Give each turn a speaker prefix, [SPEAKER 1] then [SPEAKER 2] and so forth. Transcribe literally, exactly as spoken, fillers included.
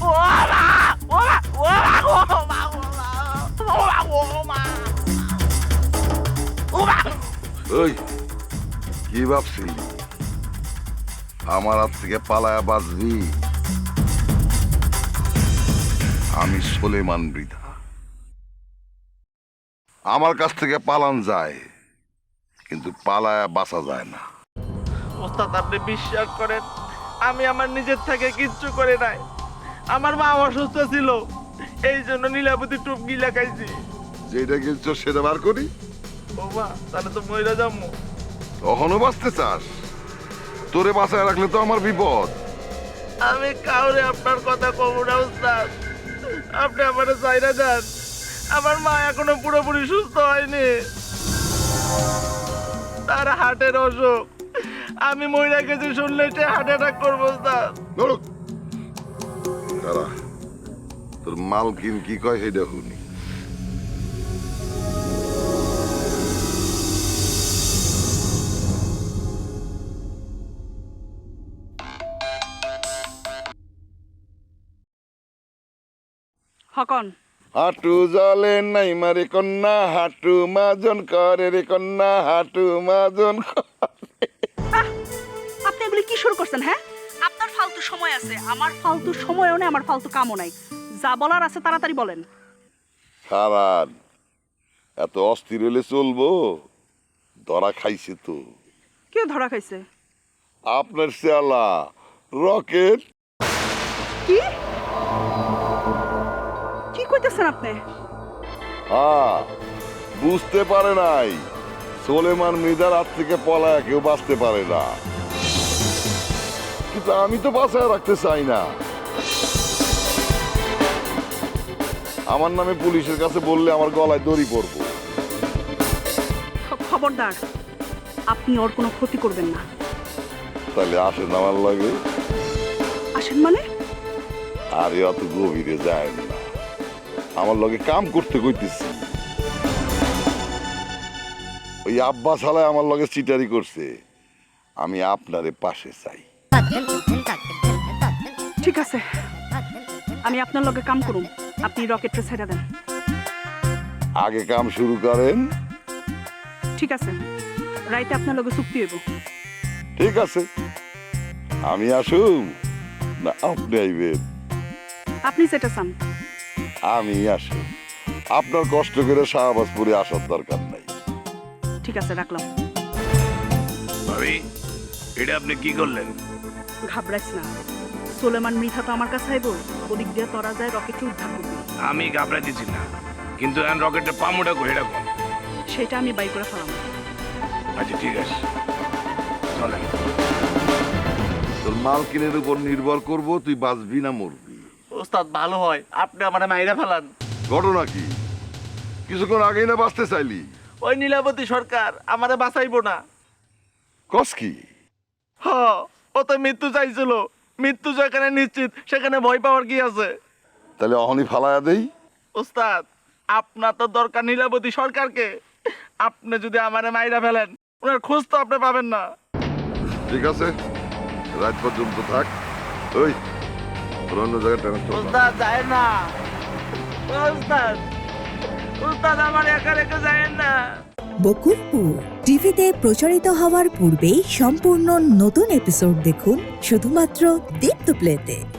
[SPEAKER 1] ওই কি ভাবছিলি আমার হাত থেকে পালায়া বাঁচবি? আমি সুলেমান মৃধা, আমার কাছ থেকে পালান যায় কিন্তু পালায়া বাঁচা যায় না।
[SPEAKER 2] ওস্তাদ আপনি বিশ্বাস করেন আমি আমার নিজের থেকে কিচ্ছু করে নাই। আমার মা অসুস্থ ছিল, এই জন্য নীলাবতী টুপ গিলা খাইছি।
[SPEAKER 1] যেটা কিছু সেটা বার করি।
[SPEAKER 2] ও মা, তাহলে তো মইরা যাবো।
[SPEAKER 1] তখনও বাঁচতে চাস? তোরে বাঁচায় রাখলে তো আমার বিপদ।
[SPEAKER 2] আমি কাউরে আপনার কথা কব না ওস্তাদ, আপনি আমার চাইরা যান। আমার মা এখনো পুরোপুরি সুস্থ হয়নি, তার হার্টের অসুখ। আমি মইরা গেছি শুনলে সে হার্ট অ্যাটাক করবো ওস্তাদ।
[SPEAKER 1] নরক কারা তোর মালকিন কি কয় সেটা শুনি।
[SPEAKER 3] হকন
[SPEAKER 1] হাঁটু জলে নাই মারে কন্যা, হাঁটু মাজন করে রে কন্যা, হাঁটু মাজন করে।
[SPEAKER 3] আপনি এগুলি কি শুরু করছেন? হ্যাঁ, আপনার ফালতু সময় আছে, আমার ফালতু সময়ও নেই, আমার ফালতু কামও নাই। যা বলার আছে তাড়াতাড়ি বলেন।
[SPEAKER 1] সারান এত অস্থির হলে চলবো? ধরা খাইছে তো।
[SPEAKER 3] কে ধরা খাইছে?
[SPEAKER 1] আপনার চেলা রকেট।
[SPEAKER 3] কি কি কইতেছেন আপনি?
[SPEAKER 1] হ্যাঁ, বুঝতে পারে নাই সুলেমান মৃধার হাত থেকে পলায়া কেউ বাঁচতে পারে না, কিন্তু আমি তো বাঁচায় রাখতে চাই না। আমার নামে পুলিশের কাছে বললে আমার গলায় দড়ি পড়বো।
[SPEAKER 3] খ- খবরদার, আপনি ওর কোনো ক্ষতি করবেন না।
[SPEAKER 1] তাহলে আসেন আমার লাগে।
[SPEAKER 3] আসেন মানে?
[SPEAKER 1] আরে অত গভীরে যায় না, আমার লগে কাম করতে কইতেছি। ওই আব্বা শালায় আমার লগে চিটারি করছে, আমি আপনারে পাশে চাই।
[SPEAKER 3] ঠিক আছে, আমি আপনার লগে কাম করুম, আপনি রকেটটা ছেড়ে দেন।
[SPEAKER 1] আগে কাম শুরু করেন।
[SPEAKER 3] ঠিক আছে, রাইতে আপনার লগে চুক্তি হইব।
[SPEAKER 1] ঠিক আছে, আমি আসুম না আপনি আইবেন?
[SPEAKER 3] আপনি যেটা চান।
[SPEAKER 1] আমি আসুম, আপনার কষ্ট করে শাহবাজপুরে আসার দরকার নাই।
[SPEAKER 3] ঠিক আছে, রাখলাম।
[SPEAKER 4] ভাবি, এটা আপনি কি করলেন?
[SPEAKER 3] ঘাবড়াইস না, সুলেমান মৃধা তো আমার কাছে আইব, ওদিক দিয়ে তরা যায় রকেটটা উদ্ধার করবো।
[SPEAKER 4] আমি ঘাবড়াইতেছি না, কিন্তু এখন রকেটের পামুটা করে রাখুন।
[SPEAKER 3] সেটা আমি বাই করে ফেলাম।
[SPEAKER 4] আচ্ছা ঠিক আছে, চলেন।
[SPEAKER 1] তোর মালকিনের উপর নির্ভর করব তুই বাঁচবি না মরবি।
[SPEAKER 2] ওস্তাদ ভালো হয় আপনি আমার মাইরা ফেলান।
[SPEAKER 1] ঘটনা কি? কিছুক্ষণ আগেই না বাঁচতে চাইলি?
[SPEAKER 2] ওই নীলাবতী সরকার আমারে বাঁচাইবো না।
[SPEAKER 1] কস কি?
[SPEAKER 2] হ, ও তো মৃত্যু চাইছিল। মৃত্যু যেখানে নিশ্চিত সেখানে ভয় পাওয়ার কি আছে?
[SPEAKER 1] তাহলে অহনি ফালায়া দেই।
[SPEAKER 2] ওস্তাদ আপনার তো দরকার নীলাবতী সরকারকে। আপনি যদি আমারে মাইরা ফেলেন, ওনার খোঁজ তো আপনি পাবেন না।
[SPEAKER 1] ঠিক আছে, রাত পর্যন্ত থাক। ওই তোর অন্য জায়গায় ট্রান্সফার কর।
[SPEAKER 2] ওস্তাদ যায় না। ওস্তাদ ওস্তাদ আমার একা রেখে যায় না।
[SPEAKER 5] বকুলপুর টিভিতে প্রচারিত হওয়ার পূর্বেই সম্পূর্ণ নতুন এপিসোড দেখুন শুধুমাত্র দীপ্ত প্লেতে।